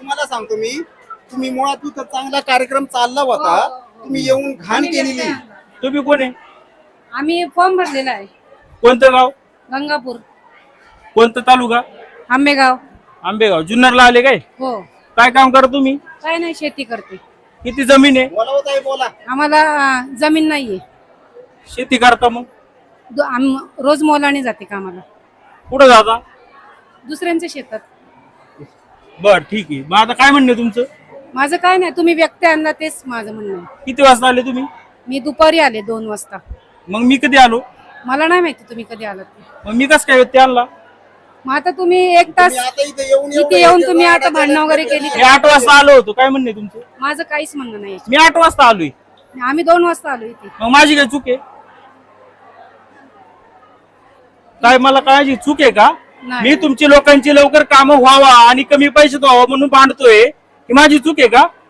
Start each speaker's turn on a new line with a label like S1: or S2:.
S1: तुम्हाला सांगतो मी, तुम्ही मुळात तिथं चांगला कार्यक्रम चालला होता, तुम्ही येऊन घाण केलेली.
S2: तुम्ही कोण आहे?
S3: आम्ही फॉर्म भरलेला आहे.
S2: कोणतं गाव?
S3: गंगापूर,
S2: कोणतं तालुका?
S3: आंबेगाव.
S2: आंबेगाव. जुन्नरला आले काय?
S3: हो.
S2: काय काम करा तुम्ही?
S3: काय नाही, शेती करते.
S2: किती जमीन आहे?
S1: बोला होता बोला.
S3: आम्हाला जमीन नाहीये.
S2: शेती करता मग?
S3: रोज मोलाने जाते कामाला,
S2: कुठं जाता?
S3: दुसऱ्यांच्या शेतात.
S2: बर ठीक आहे. मग आता काय म्हणणे तुमचं?
S3: माझं काय नाही, तुम्ही व्यक्ती आणला तेच माझं म्हणणं आहे.
S2: किती वाजता आले तुम्ही?
S3: मी दुपारी आले 2 वाजता.
S2: मग मी कधी आलो?
S3: मला नाही माहिती तुम्ही कधी आलात ते.
S2: मग मी कसं काय ते आणला?
S3: मग आता तुम्ही 1 तास
S1: तुम्ही आता इथे
S3: इथे येऊन तुम्ही आता भांडणं वगैरे केली.
S2: मी 8 वाजता आलो होतो. काय म्हणणे तुमचं?
S3: माझं काहीच म्हणणं नाही.
S2: मी 8 वाजता आलोय.
S3: आम्ही 2 वाजता आलो इथे.
S2: मग माझी काय चूक आहे? काय मला काय चूक आहे का?
S3: नाही.
S2: मी तुमची लोकांची लवकर कामं व्हावा आणि कमी पैशात व्हावा म्हणून भांडतोय, ही माझी चूक आहे का?